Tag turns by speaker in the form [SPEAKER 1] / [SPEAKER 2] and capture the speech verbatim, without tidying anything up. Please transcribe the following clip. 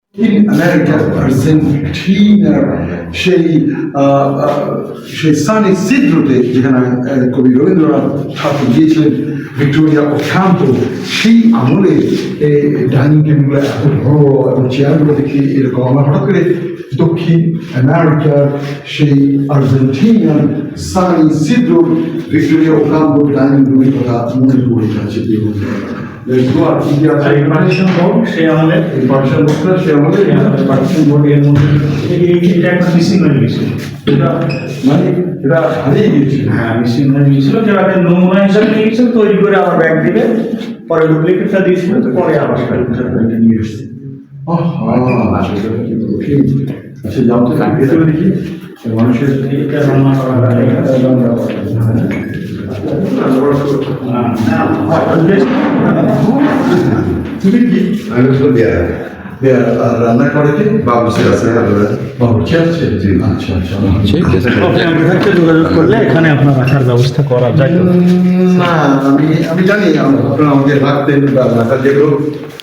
[SPEAKER 1] in America, আর্জেন্টিনার সেই সেই সানি সিদ্রোতে যেখানে কবি রবীন্দ্রনাথ ঠাকুর গিয়েছিলেন ভিক্টোরিয়া ও ক্যাম্পো, সেই আমলে ডাইনিং টেবিলগুলো এত বড় এবং চেয়ারগুলো দেখি এরকম। আমার হঠাৎ করে দক্ষিণ আমেরিকার সেই আর্জেন্টিনার সানি সিদ্রোর ভিক্টোরিয়া ও ক্যাম্পো ডাইনিং রুমের কথা মনে পড়ে যাচ্ছে।
[SPEAKER 2] পার্টিশন বোর্ড সে আমাদের
[SPEAKER 1] পার্টিশন বোর্ডটা সে আমাদের
[SPEAKER 2] পার্টিশন বোর্ড এর মধ্যে এটা একটা মিসিং হয়ে গেছিল, এটা
[SPEAKER 1] মানে এটা হারিয়ে গিয়েছিল।
[SPEAKER 2] হ্যাঁ মিসিং হয়ে গিয়েছিল, যেটা একটা নমুনা হিসাবে নিয়ে গেছিল, তৈরি করে আবার ব্যাগ দিলে পরে ডুপ্লিকেটটা দিয়েছিল, তো পরে আবার এটা নিয়ে এসছে।
[SPEAKER 1] আচ্ছা যাও তো ভেতরে দেখি মানুষের
[SPEAKER 2] এটা রান্না করা হয়, রান্না করা
[SPEAKER 1] তুমি কি
[SPEAKER 3] আমি তো দেয়া
[SPEAKER 1] রান্না করে কি
[SPEAKER 3] বাবুসের আছে
[SPEAKER 1] বাবুর্চি আছে? আচ্ছা আচ্ছা
[SPEAKER 2] যোগাযোগ করলে এখানে আপনার রাখার ব্যবস্থা করা যায়।
[SPEAKER 1] না আমি আমি জানি আপনারা আমাকে রাখতেন বা রাখার যেগুলো